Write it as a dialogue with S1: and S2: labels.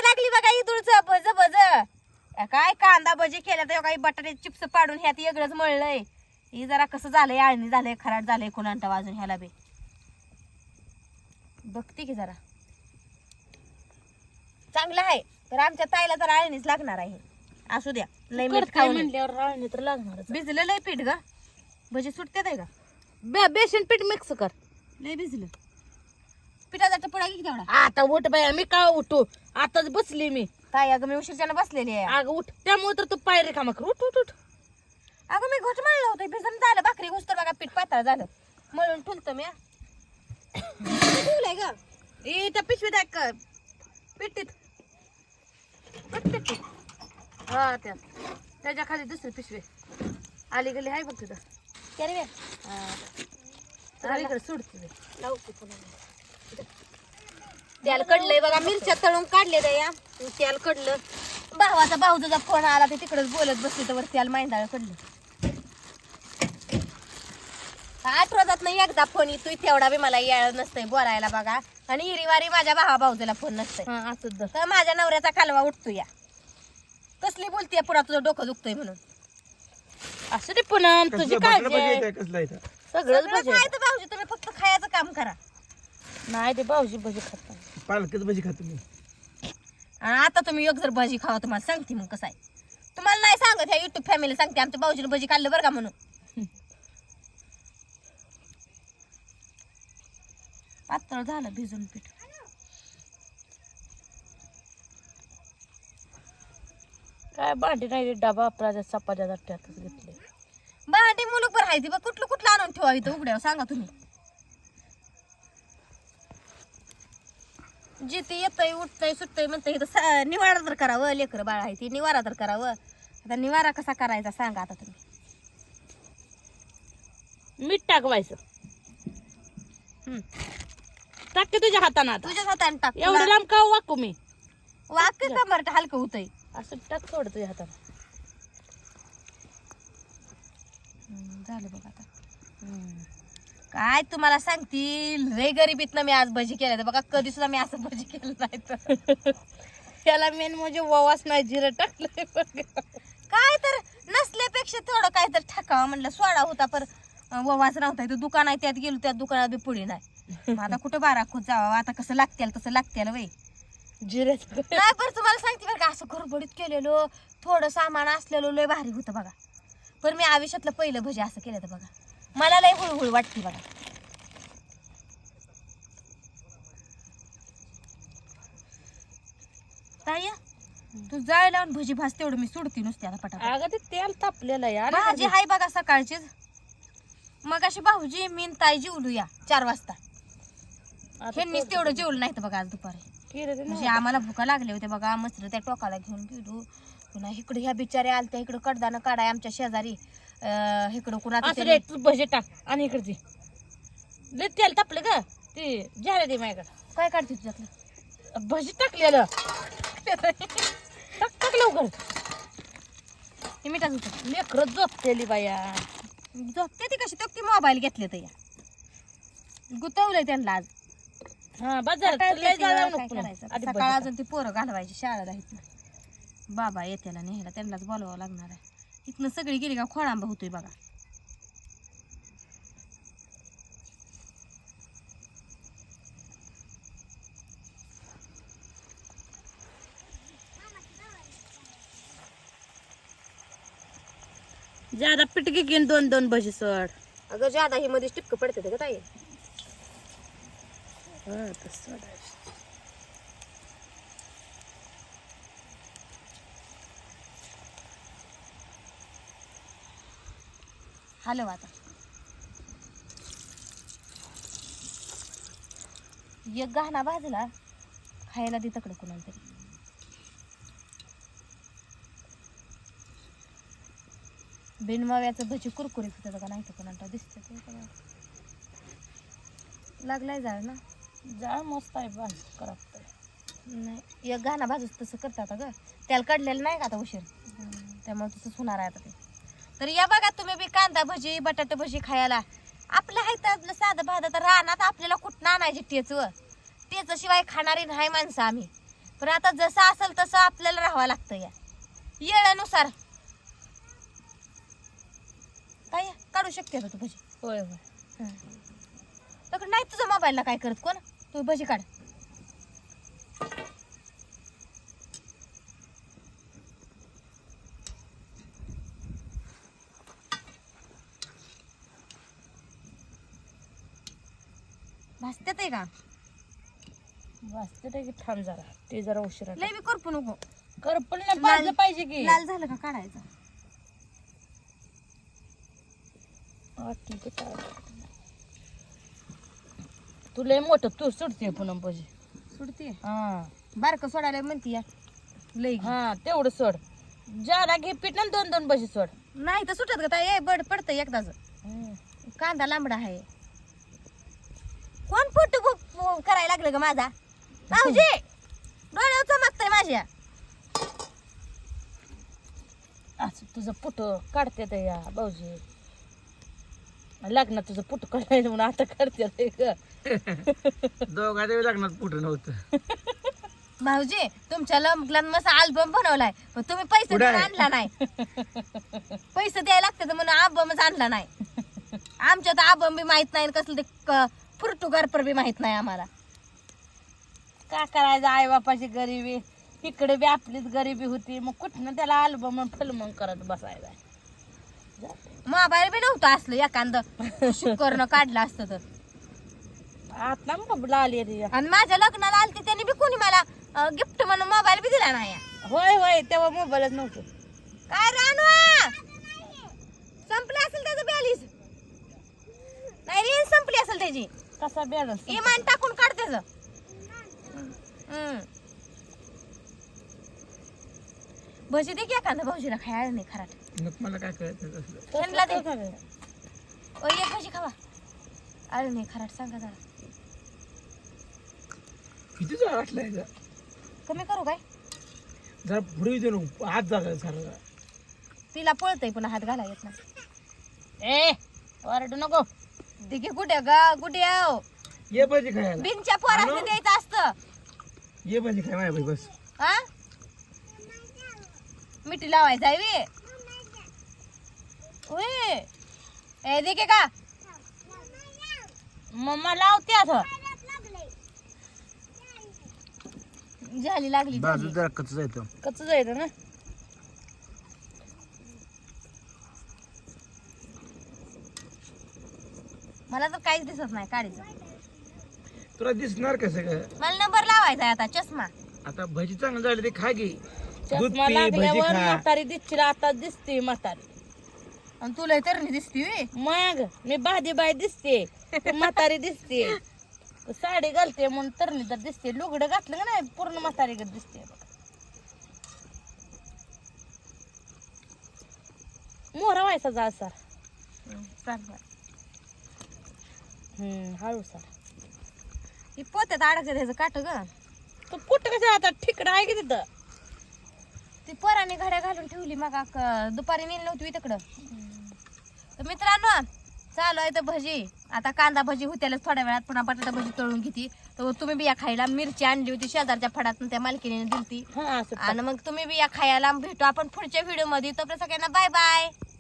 S1: लागली बघा इदुळचं भज भज. काय कांदा भजी केल्या तर काही बटाटे चिप्स पाडून ह्यात वेगळंच मळलंय. ही जरा कसं झालंय आळणी झालंय खराट झालंय कोणांटा वाजून ह्याला बी बघते की जरा चांगलं आहे तर आमच्या ताईला तर आळणीच लागणार आहे. असू द्या लय मीठ खाऊन
S2: म्हणल्यावर आळणी तर लागणार.
S1: भिजलं लय पीठ ग भजी सुटतात आहे का?
S2: बेसन पीठ मिक्स कर.
S1: लय भिजलं पिठाचा टपुडा घे तेवढा.
S2: आता उठ बाया मी का उठू आताच बसली मी.
S1: ताई अगं मी उशीरच्यानं बसलेली आहे.
S2: अगं उठ त्यामुळे तर तू पायरी कामा कर. उठ उठ उठ.
S1: अगं मी घोट मळलं होतं भिजून झालं भाकरी घुसतर बघा पीठ पातळ झालं मळून ठुलतं मी ठेवलंय ग.
S2: ए त्या पिशवीत आहे का पिठीत हा त्याच्या खाली दुसरी पिशवी आली गेली आहे बघ तिथं.
S1: त्याने
S2: इकडे सोडते
S1: तेल कडलंय बघा मिरच्या तळून काढले या तेल कडलं. भावाचा भाऊचा फोन आला ते तिकडेच बोलत बसले तर तेल माहिती कडलं. आठवड्यात नाही एकदा फोन येतोय तेवढा बी मला याळ नसतंय बोलायला बघा. आणि हिरीवारी माझ्या भावाला फोन नसतंय
S2: असं
S1: तर माझ्या नवऱ्याचा कालवा उठतो या. कसली बोलतीये पुन्हा तुझं डोकं दुखतोय म्हणून.
S2: असं रे पुनम तुझी काय सगळंच
S1: काय तर भाऊजी तुम्ही फक्त खायचं काम करा.
S2: नाही ते भाऊजी भजी खात
S3: पालकच भजी खातो मी.
S1: आणि आता तुम्ही एक जर भजी खावा तुम्हाला सांगते मग कसं आहे. तुम्हाला नाही सांगत ह्या युट्यूब फॅमिली सांगते आमच्या भाऊजीने भजी खाल्लं बरं का म्हणून. पातळ झालं भिजून पीठ.
S2: काय भांडी नाही डबा आपला चपात्या त्यातच घेतले.
S1: भांडी मुलूक बरं आहे ती बघ कुठलं कुठलं आणून ठेवा इथं उघड्यावर सांगा तुम्ही. जिथे येतंय उठतंय सुटतंय म्हणतंय इथं निवारा तर करावं. लेकर बाळ आहे ती निवारा तर करावं. आता निवारा कसा करायचा सांगा आता तुम्ही.
S2: मीठ टाकवायचं टाकते तुझ्या हाताने आता.
S1: तुझ्याच हाताने टाक.
S2: एवढं लांब का वाकू मी.
S1: वाक का बरं हलकं होतंय.
S2: असं टाक थोडं तुझ्या हाताने.
S1: झालं बघ आता. काय तुम्हाला सांगतील रे गरिबीतनं मी आज भजी केल्या तर बघा कधी सुद्धा मी असं भजी केलं नाही तर.
S2: त्याला मेन म्हणजे ववास नाही जिरं टाकलंय
S1: काय तर नसल्यापेक्षा थोडं काय तर टाकावं म्हणलं. सोडा होता पर ववास नव्हता. इथं दुकान आहे त्यात गेलो त्या दुकानात बी पुढे नाही. आता कुठं बारा खोत जावा आता कसं लागतील तसं लागतील वय
S2: जिऱ्याच
S1: नाही. बरं तुम्हाला सांगते बरं का असं गडबडीत केलेलो थोडं सामान असलेलं लय भारी होतं बघा. पण मी आयुष्यातलं पहिलं भजी असं केलं तर बघा मला लय हुळहुळ वाटते बघा. ताई तू जाय लावून भजी भास तेवढं मी सोडते नुसते आता पटापट.
S2: अगं ते तेल तापलेलं यार.
S1: भाजी हाय बघा सकाळचीच. मग अशी भाऊजी मीन ताई जेवलूया 4 वाजता. ह्यांनीच तेवढं जेवलं नाही तर बघा आज दुपारी. म्हणजे आम्हाला भुका लागले होते बघा. मस्त त्या टोकाला घेऊन गेलो पुन्हा इकडे ह्या बिचाऱ्या आलत्या इकडं कडदानं काढाय आमच्या शेजारी. इकडं कुणाचं
S2: तू भजी टाक आणि इकडे लय तेल तापले ग ते झाले ते माझ्याकडे.
S1: काय काढते तुझ्यातलं
S2: भजी टाकलेलं टाक टाक लवकर.
S1: हे मिठाच होतं
S2: लेकरं झोपतेली बाया.
S1: झोपते ती कशी तो ती मोबाईल घेतले तर या गुतवलंय त्यांना आज.
S2: हा बाजार
S1: सकाळ अजून ती पोरं घालवायची शाळेला इथनं. बाबा येत्याला न्यायला त्यांनाच बोलवावं लागणार आहे. इथनं सगळी गेली का खोळांबा होतोय बघा.
S2: ज्यादा पिटकी घेऊन 2-2 भजी सोड.
S1: अगं ज्यादा ही मध्ये टिपक पडते का ताई. हॅलो आता एक गहना भाजला खायला दे तकडे कुणाला तरी. बिनमाव्याचं भजी कुरकुरीत होतं का नाही तर कोणाला दिसत लागलाय जाळ ना.
S2: जाळ मस्त आहे बाज करत
S1: नाही एक गहना भाजूच तसं करतात ग. त्याला काढलेलं नाही का आता उशीर त्यामुळे तसंच होणार आहे आता ते. तर या बघा तुम्ही बी कांदा भजी बटाटे भजी खायला. आपल्या हायत साधं भात तर रानात आपल्याला कुठं आणायची टेच शिवाय खाणारी नाही माणसं आम्ही. पण आता जसं असेल तसं आपल्याला राहावं लागतं या येळानुसार. काय काढू शकते का तू भजी?
S2: होय होय.
S1: तर नाही तुझ्या मोबाईलला काय करत कोण, तू भजी काढ. भाजत्यात आहे का?
S2: वाजते की थांब जरा, ते जरा उशिरा
S1: लय बी करपू नको.
S2: करपल नाही भाजलं पाहिजे की.
S1: लाल झालं का काढायचं.
S2: ठीक आहे. तू लय मोठं तू सुटते पुन्हा भजी.
S1: सुटते
S2: हा
S1: बारकं सोडायला म्हणती या लय.
S2: हा तेवढं सोड. ज्याला घे पीठ ना 2-2 भजी सोड.
S1: नाही तर सुटत का ताई, बड पडतं एकदाच. कांदा लांबडा आहे. कोण फोटो करायला लागलं ग माझा? भाऊजी डोळ्यावर चमकतंय माझ्या.
S2: असं तुझं पुट काढते ते या भाऊजी. लग्नात तुझं पुट काढायचं म्हणून आता काढते ते ग.
S3: दोघांच्या लग्नात पुढे नव्हतं.
S1: भाऊजी तुमच्या लग्नात मस्त अल्बम बनवलाय, पण तुम्ही पैसे
S3: कुठं
S1: देऊन
S3: आहे?
S1: आणला नाही. पैसे द्यायला लागतात म्हणून अल्बमच आणला नाही. आमच्या तर अल्बम बी माहित नाही, कसलं ते फुरटुगार बी माहित नाही आम्हाला.
S2: काय करायचं, आई बापाची गरिबी, इकडे बी आपलीच गरिबी होती, मग कुठनं त्याला अल्बम फिल्म करत बसायला.
S1: मोबाईल बी नव्हतं असलं एखादं शुकरनं काढलं असतं तर.
S2: आता मग आली रे.
S1: आणि माझ्या लग्नाला आलते त्यांनी बी कोणी मला गिफ्ट म्हणून मोबाईल बी दिला नाही.
S2: होय होय तेव्हा मोबाईलच नव्हतं.
S1: काय रानवा संपलं असेल त्याचं बॅलीस. नाही रेंज संपली असेल त्याची.
S2: कसा बॅलन्स
S1: इमान टाकून काढ त्याचं. भजी दे की एखादा भाऊजीला खायला नाही खराट.
S3: मग मला काय कळत नाही तसलं.
S1: त्यांना दे. ओ एक भजी खावा. अरे नाही खराट सांगा जरा.
S3: किती जरा वाटलाय का?
S1: कमी करू काय?
S3: जरा पुढे देऊ नको, हात जागा सारा.
S1: तिला पळतय पुन्हा हात घाला येत नाही.
S2: ए ओरडू नको.
S1: दे की कुठे गा कुठे आहो.
S3: ये भाजी खायला.
S1: बिनच्या पोराला द्यायचं असतं.
S3: ये भाजी खाय माझ्या भाई बस.
S1: हा मिठी लावायचं आहे वे. होय ए दे की का
S2: मम्मा लावते आता.
S1: झाली लागली
S3: बाजू
S1: झाली.
S3: जरा कच्च जायचं.
S2: कच्च जायचं ना.
S1: मला तर काहीच दिसत नाही काढीचं.
S3: तुला दिसणार कसं का?
S1: मला नंबर लावायचा आहे आता चष्मा.
S3: आता भजी चांगलं झाली ते खा घे. दूध
S2: चष्मा
S3: पी, भजी
S2: लागल्यावर
S3: खा.
S2: म्हातारी दिसतील, आता दिसते म्हातारी.
S1: आणि तुला तर नाही दिसती वे.
S2: मग मी बादी बाई दिसते, तू म्हातारी दिसते. साडी घालते म्हणून तरणी तर दिसते. लुगडं घातलं का नाही पूर्ण म्हातारी दिसते बघ. मोहरा व्हायचा जा सर. हळू सर.
S1: ही पोत्यात अडकते त्याचं काट ग.
S2: तू पुट कसं आता ठिकडं आहे की तिथं.
S1: ती पोराने घड्या घालून ठेवली मग दुपारी नेली नव्हती तिकडं. तर मित्रांनो चालू आहे तर भजी. आता कांदा भजी होत्यालाच थोड्या वेळात, पुन्हा बटाटा भजी तळून घेते. तर तुम्ही बी या खायला. मिरची आणली होती शेजारच्या फडात, त्या मालकीने दिलती.
S2: हा असं
S1: आणि मग तुम्ही बी या खायला. भेटू आपण पुढच्या व्हिडिओ मध्ये. तोपर्यंत सगळ्यांना बाय बाय.